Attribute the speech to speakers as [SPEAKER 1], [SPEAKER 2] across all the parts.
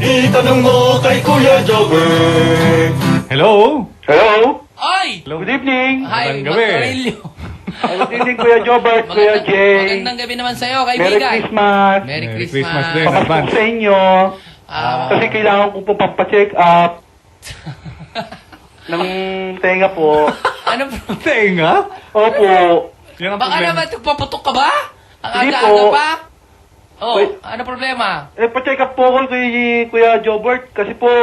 [SPEAKER 1] Itanong mo kay Kuya Jobber.
[SPEAKER 2] Hello?
[SPEAKER 3] Hello?
[SPEAKER 4] Ay!
[SPEAKER 2] Hello?
[SPEAKER 3] Good evening.
[SPEAKER 4] Hi,
[SPEAKER 2] Magandang gabi.
[SPEAKER 4] Macarillo.
[SPEAKER 3] Good evening, Kuya Jobert, Kuya Jay.
[SPEAKER 4] Magandang gabi naman sa'yo,
[SPEAKER 3] Merry
[SPEAKER 4] kaibigan.
[SPEAKER 3] Christmas.
[SPEAKER 4] Merry
[SPEAKER 2] Merry
[SPEAKER 4] Christmas.
[SPEAKER 2] Christmas din.
[SPEAKER 3] Papasko
[SPEAKER 2] Advance.
[SPEAKER 3] sa inyo. Kasi kailangan ko po pampacheck up ng tenga po.
[SPEAKER 4] Ano
[SPEAKER 2] Tenga?
[SPEAKER 3] Opo.
[SPEAKER 2] Yan ang
[SPEAKER 4] baka
[SPEAKER 2] problema.
[SPEAKER 4] naman puputok ka ba? Ang
[SPEAKER 3] Hindi
[SPEAKER 4] aga-aga
[SPEAKER 3] po.
[SPEAKER 4] pa? Oh,
[SPEAKER 3] Wait.
[SPEAKER 4] ano problema?
[SPEAKER 3] Pa-check up po ako kay Kuya Jobert kasi po,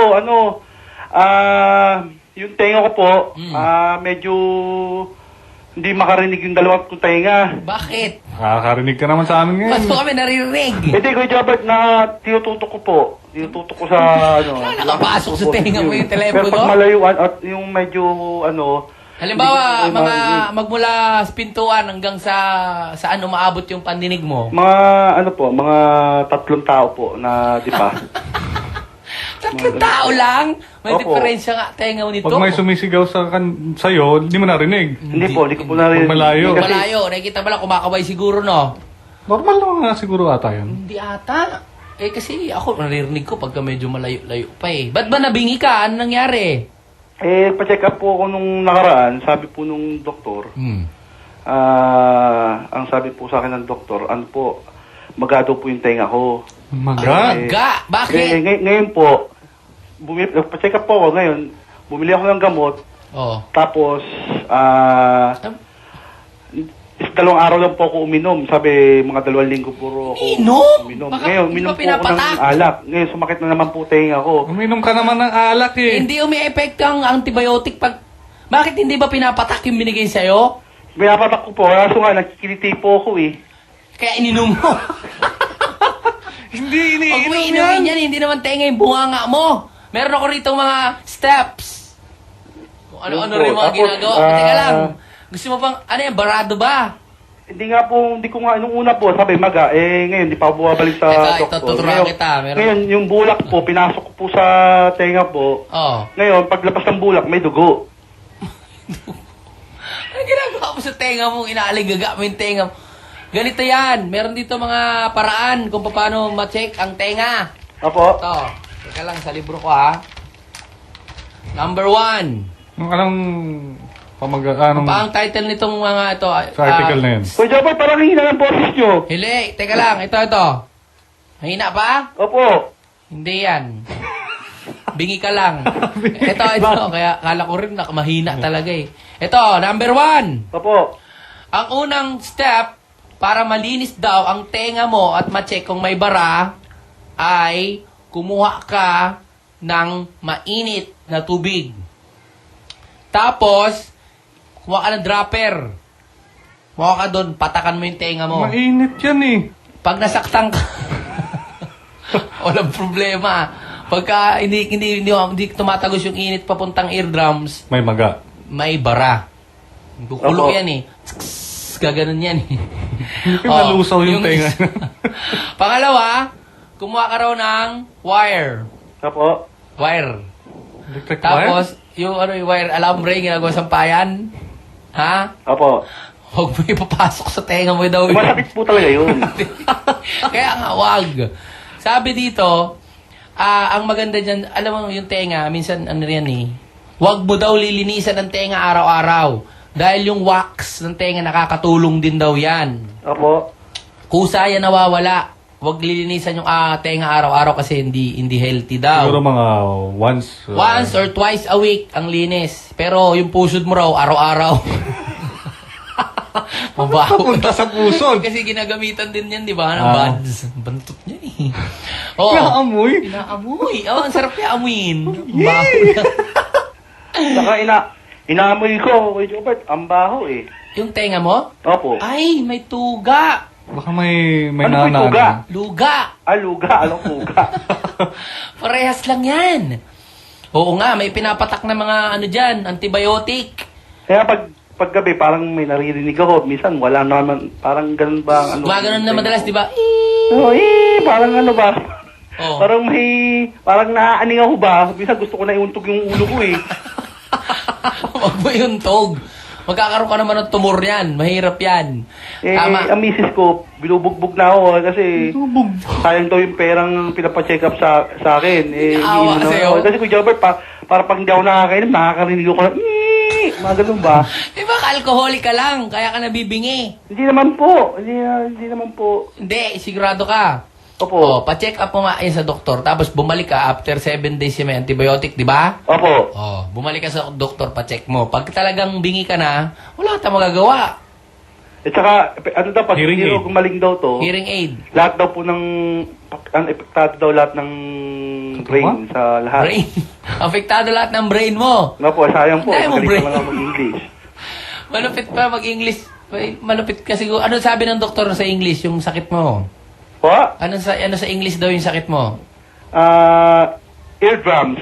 [SPEAKER 3] yung tenga ko po, medyo hindi makarinig yung dalawang kong tenga.
[SPEAKER 4] Bakit?
[SPEAKER 2] Nakakarinig ka naman sa amin
[SPEAKER 4] Ba't
[SPEAKER 2] ngayon.
[SPEAKER 4] mo kami naririnig?
[SPEAKER 3] Hindi, Kuya Jobert, tinututok ko po. Tinututok ko sa,
[SPEAKER 4] Nakapasok sa tenga mo yung telepono?
[SPEAKER 3] Pero pag malayuan at yung medyo,
[SPEAKER 4] Halimbawa,
[SPEAKER 3] hindi ko marinig.
[SPEAKER 4] magmula sa pintuan hanggang sa saan umaabot yung pandinig mo.
[SPEAKER 3] Mga 3 tao po na di pa.
[SPEAKER 4] Tatlong tao lang? May
[SPEAKER 3] Opo.
[SPEAKER 4] diferensya nga tenga mo nito.
[SPEAKER 2] Pag may sumisigaw sa'yo, hindi mo narinig.
[SPEAKER 3] Hindi po ko narinig.
[SPEAKER 2] Pag malayo.
[SPEAKER 3] Kasi-
[SPEAKER 4] Malayo, nakikita mo lang kumakaway siguro, no?
[SPEAKER 2] Normal naman nga siguro ata yun.
[SPEAKER 4] Hindi ata. Eh kasi ako naririnig ko pagka medyo malayo-layo pa eh. Ba't ba nabingi ka? Ano nangyari?
[SPEAKER 3] Pa-check up po ako nung nakaraan, sabi po nung doktor,
[SPEAKER 4] Hmm.
[SPEAKER 3] ang sabi po sa akin ng doktor, magado po yung tenga ko.
[SPEAKER 2] Maga.
[SPEAKER 4] Ga! Bakit?
[SPEAKER 3] Ngayon po, pa-check up po ako ngayon, bumili ako ng gamot,
[SPEAKER 4] Oh.
[SPEAKER 3] tapos, 2 araw lang po ako uminom. Sabi, mga 2 linggo puro ako
[SPEAKER 4] Inom?
[SPEAKER 3] uminom.
[SPEAKER 4] Baka
[SPEAKER 3] Ngayon,
[SPEAKER 4] hindi
[SPEAKER 3] uminom
[SPEAKER 4] ba
[SPEAKER 3] po ako
[SPEAKER 4] pinapatak?
[SPEAKER 3] ng alak. Ngayon, sumakit na naman po tenga ko.
[SPEAKER 2] Uminom ka naman ng alak eh.
[SPEAKER 4] Hindi umi-effect ang antibiotic pag... Bakit hindi ba pinapatak yung binigay sa'yo?
[SPEAKER 3] Pinapatak ko po, kaso nga, nakikiliti po ako eh.
[SPEAKER 4] Kaya ininom mo.
[SPEAKER 2] Hindi
[SPEAKER 4] Huwag mo
[SPEAKER 2] iniinom yan.
[SPEAKER 4] inumin yan, hindi naman tenga yung bunganga mo. Meron ako rito mga steps. Kung ano-ano
[SPEAKER 3] Yun po.
[SPEAKER 4] rin mga
[SPEAKER 3] Tapos,
[SPEAKER 4] ginagawa. Teka lang. Gusto mo bang, ano yan, barado ba?
[SPEAKER 3] Hindi ko nga, nung una po, sabi maga, ngayon, di pa ako bumabalik sa
[SPEAKER 4] Ito,
[SPEAKER 3] doktor.
[SPEAKER 4] tuturuan kita. Meron-
[SPEAKER 3] Ngayon, yung bulak po, pinasok ko po sa tenga po.
[SPEAKER 4] Oh.
[SPEAKER 3] Ngayon, paglabas ng bulak, may dugo.
[SPEAKER 4] Ano ginagawa mo sa tenga mo? Inaaligaga mo yung tenga mo. Ganito yan. Meron dito mga paraan kung paano ma-check ang tenga.
[SPEAKER 3] Opo.
[SPEAKER 4] Ito. Teka lang, sa libro ko ha. Number 1.
[SPEAKER 2] Anong anong
[SPEAKER 4] Pa ang title nitong mga ito.
[SPEAKER 2] sa article na yun?
[SPEAKER 3] Kuya Jobber, parang hina ng boses nyo.
[SPEAKER 4] Hili, teka lang. Ito. Mahina pa?
[SPEAKER 3] Opo.
[SPEAKER 4] Hindi yan. Bingi ka lang. Ito. Kaya kala ko rin na mahina talaga eh. Ito, number 1.
[SPEAKER 3] Opo.
[SPEAKER 4] Ang unang step para malinis daw ang tenga mo at ma-check kung may bara ay kumuha ka ng mainit na tubig. Tapos, kumuha ka ng dropper. Kumuha ka doon, patakan mo yung tenga mo.
[SPEAKER 2] Mainit yan eh.
[SPEAKER 4] Pag nasaktan ka, walang problema. Pagka hindi tumatagos yung init papuntang eardrums,
[SPEAKER 2] May maga.
[SPEAKER 4] may bara. Kukulo
[SPEAKER 3] Opo.
[SPEAKER 4] yan eh. Gaganon yan eh.
[SPEAKER 2] Hindi ka nalusaw yung tenga.
[SPEAKER 4] Pangalawa, kumuha ka raw ng wire.
[SPEAKER 3] Opo.
[SPEAKER 4] Wire.
[SPEAKER 2] Electric wire?
[SPEAKER 4] Tapos, yung wire alambre, ginagawa sa payan. Ha?
[SPEAKER 3] Opo.
[SPEAKER 4] Huwag mo ipapasok sa tenga mo daw.
[SPEAKER 3] Masakit po talaga yun.
[SPEAKER 4] Kaya nga, wag. Sabi dito, ang maganda dyan, alam mo yung tenga, minsan ano yan eh, wag mo daw lilinisan ang tenga araw-araw. Dahil yung wax ng tenga nakakatulong din daw yan.
[SPEAKER 3] Opo.
[SPEAKER 4] Kusa yan nawawala. Huwag lilinisan yung tenga araw-araw kasi hindi healthy daw.
[SPEAKER 2] Siguro mga once.
[SPEAKER 4] Once or twice a week ang linis. Pero yung pusod mo raw, araw-araw. Mabaho.
[SPEAKER 2] Papunta sa pusod.
[SPEAKER 4] Kasi ginagamitan din yan, di ba? Ng
[SPEAKER 2] Ah.
[SPEAKER 4] buds. Bantot niya eh. Oo.
[SPEAKER 2] Naamoy.
[SPEAKER 4] Inaamoy. Oh, ang sarap niya amuin. Baho niya.
[SPEAKER 3] Saka inaamoy ko, Kuya Jobert, ang baho eh.
[SPEAKER 4] Yung tenga mo?
[SPEAKER 3] Opo.
[SPEAKER 4] Ay, may tuga.
[SPEAKER 2] Baka may
[SPEAKER 3] Ano po yung
[SPEAKER 2] nana.
[SPEAKER 3] tuga?
[SPEAKER 4] Luga.
[SPEAKER 3] Luga, anong tuga?
[SPEAKER 4] Parehas lang yan. Oo nga, may pinapatak na mga ano dyan, antibiotic.
[SPEAKER 3] Kaya paggabi, parang may naririnig ako. Minsan, wala naman. Parang ganun ba? ang
[SPEAKER 4] Gumaganon na madalas, di ba?
[SPEAKER 3] Parang ano ba?
[SPEAKER 4] Oh.
[SPEAKER 3] Parang naaaning ako ba? Minsan gusto ko na iuntog yung ulo ko eh.
[SPEAKER 4] Huwag mo yung tog. Magkakaroon ka naman ng tumor yan. Mahirap yan. Tama.
[SPEAKER 3] Ang misis ko, binubugbog na ako kasi sayang daw yung perang pinapacheck up sa akin.
[SPEAKER 4] Awa
[SPEAKER 3] iniinom na
[SPEAKER 4] sa'yo.
[SPEAKER 3] ako. Kasi Kuya Jobert, para pag hindi ako nakakainom, nakakarinig ako ng mga ganun ba?
[SPEAKER 4] Di ba, alcoholic ka lang, kaya ka nabibingi.
[SPEAKER 3] Hindi naman po. Hindi naman po.
[SPEAKER 4] Hindi, sigurado ka.
[SPEAKER 3] Opo.
[SPEAKER 4] Oh, pa-check up mo nga yan sa doktor, tapos bumalik ka after 7 days yung may antibiotic, di ba?
[SPEAKER 3] Opo.
[SPEAKER 4] Oh, bumalik ka sa doktor, pa-check mo. Pag talagang bingi ka na, wala ka magagawa.
[SPEAKER 3] At saka, ano daw, pag
[SPEAKER 2] Hearing
[SPEAKER 3] hindi
[SPEAKER 2] aid.
[SPEAKER 3] gumaling daw to,
[SPEAKER 4] Hearing aid.
[SPEAKER 3] lahat daw po ng, ang epektado daw lahat ng brain sa lahat.
[SPEAKER 4] Brain. Apektado lahat ng brain mo.
[SPEAKER 3] Nga po, sayang po.
[SPEAKER 4] Dahil mo
[SPEAKER 3] Magaling
[SPEAKER 4] brain.
[SPEAKER 3] naman ako mag-English.
[SPEAKER 4] Malupit pa mag-English. Malupit ka siguro. Ano sabi ng doktor sa English, yung sakit mo?
[SPEAKER 3] Po?
[SPEAKER 4] Ano sa English daw yung sakit mo?
[SPEAKER 3] Eardrums.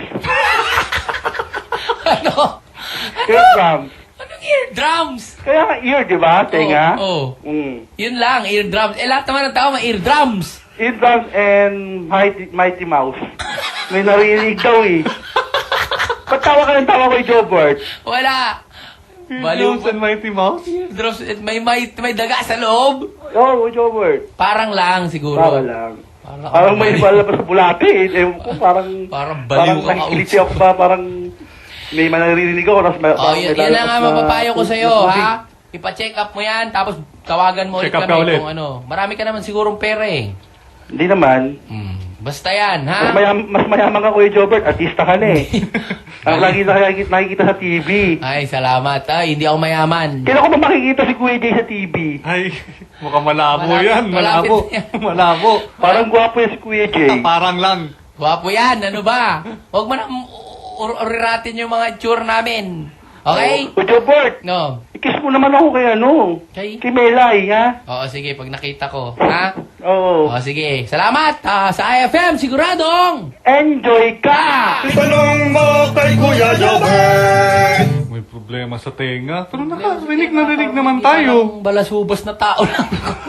[SPEAKER 4] Ano?
[SPEAKER 3] Eardrums.
[SPEAKER 4] Anong eardrums?
[SPEAKER 3] Kaya nga ear, di ba? Tenga?
[SPEAKER 4] Oo.
[SPEAKER 3] Mm.
[SPEAKER 4] Yun lang, eardrums. Eh, lahat naman ng tao may eardrums.
[SPEAKER 3] Eardrums and Mighty Mouse. May narinig daw eh. Ba't tawa ka ng tawa kay Jobert?
[SPEAKER 4] Wala. Baliw
[SPEAKER 2] Eardrums and Mighty Mouse?
[SPEAKER 4] Eardrums. May daga sa loob.
[SPEAKER 3] Oo, Jobert.
[SPEAKER 4] Parang lang siguro.
[SPEAKER 3] Para lang.
[SPEAKER 4] Parang,
[SPEAKER 3] Parang may palabas sa bulate eh. Ewan ko,
[SPEAKER 4] Parang baliw ka
[SPEAKER 3] nakikiliti ako ba, parang may manaririnig ako. Tapos may,
[SPEAKER 4] Oh,
[SPEAKER 3] parang
[SPEAKER 4] yun,
[SPEAKER 3] may
[SPEAKER 4] yun lang nga
[SPEAKER 3] lalabas na-
[SPEAKER 4] mapapayo ko sa'yo, ha? Ipa-check up mo yan, tapos tawagan mo ulit
[SPEAKER 2] Check up
[SPEAKER 4] kami
[SPEAKER 2] ka ulit.
[SPEAKER 4] kung ano. Marami ka naman sigurong pera eh.
[SPEAKER 3] Hindi naman.
[SPEAKER 4] Basta yan, ha?
[SPEAKER 3] Mas mayaman ka, Kuya Jobert. Artista ka na eh. Ang lagi nakikita sa TV.
[SPEAKER 4] Ay, salamat. Ay, hindi ako mayaman.
[SPEAKER 3] Kailan ko ba makikita si Kuya Jay sa TV?
[SPEAKER 2] Ay, mukhang malabo
[SPEAKER 4] Malapit-
[SPEAKER 2] yan.
[SPEAKER 4] malapit
[SPEAKER 2] Malabo.
[SPEAKER 4] yan.
[SPEAKER 2] Malabo.
[SPEAKER 3] Parang gwapo yan si Kuya Jay.
[SPEAKER 2] Parang lang.
[SPEAKER 4] Gwapo yan, ano ba? Huwag mo na uriratin yung mga itsura namin. Okay?
[SPEAKER 3] Kuya Jobert,
[SPEAKER 4] No.
[SPEAKER 3] ikiss mo naman ako kay ano?
[SPEAKER 4] Kay?
[SPEAKER 3] Kay Melay, ha?
[SPEAKER 4] Oo, sige, pag nakita ko. Ha?
[SPEAKER 3] Oo.
[SPEAKER 4] Oo, sige. Salamat sa IFM, siguradong!
[SPEAKER 3] Enjoy ka!
[SPEAKER 1] Itanong mo kay Kuya Jobert.
[SPEAKER 2] May problema sa tenga. Pero nakarinig na rinig naman tayo.
[SPEAKER 4] Parang balasubas na tao lang.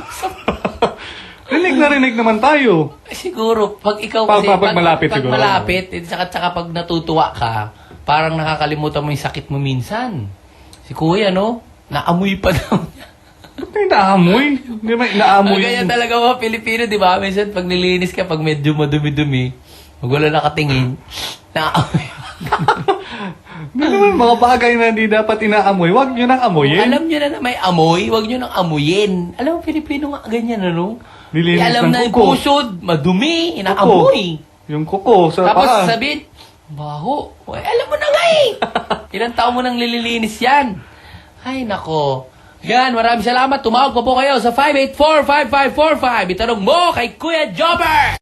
[SPEAKER 2] Rinig na rinig naman tayo.
[SPEAKER 4] Siguro, pag ikaw
[SPEAKER 2] Pag-
[SPEAKER 4] kasi,
[SPEAKER 2] pag malapit
[SPEAKER 4] pag
[SPEAKER 2] siguro.
[SPEAKER 4] malapit, saka pag natutuwa ka, parang nakakalimutan mo yung sakit mo minsan. Si Kuya, no? Naamoy pa daw niya.
[SPEAKER 2] Ba't may naamoy? Hindi ba naamoy?
[SPEAKER 4] Ganyan talaga mga Pilipino, di ba? Minsan, pag nilinis ka, pag medyo madumi-dumi, pag wala nakatingin, naamoy.
[SPEAKER 2] Hindi naman mga bagay na hindi dapat inaamoy. Huwag nyo nang amoyin.
[SPEAKER 4] Alam nyo na may amoy, huwag nyo nang amuyin. Alam mo, Pilipino nga ganyan, ano?
[SPEAKER 2] Nilinis
[SPEAKER 4] alam
[SPEAKER 2] ng
[SPEAKER 4] na yung
[SPEAKER 2] kuko.
[SPEAKER 4] pusod, madumi, inaamoy.
[SPEAKER 2] Yung kuko sa
[SPEAKER 4] Tapos
[SPEAKER 2] paa.
[SPEAKER 4] sabihin, baho. Uy, alam mo na nga eh. Ilang taon mo nang nililinis yan. Ay, nako. Yan, maraming salamat. Tumawag pa po kayo sa 584-5545. Itanong mo kay Kuya Jobber!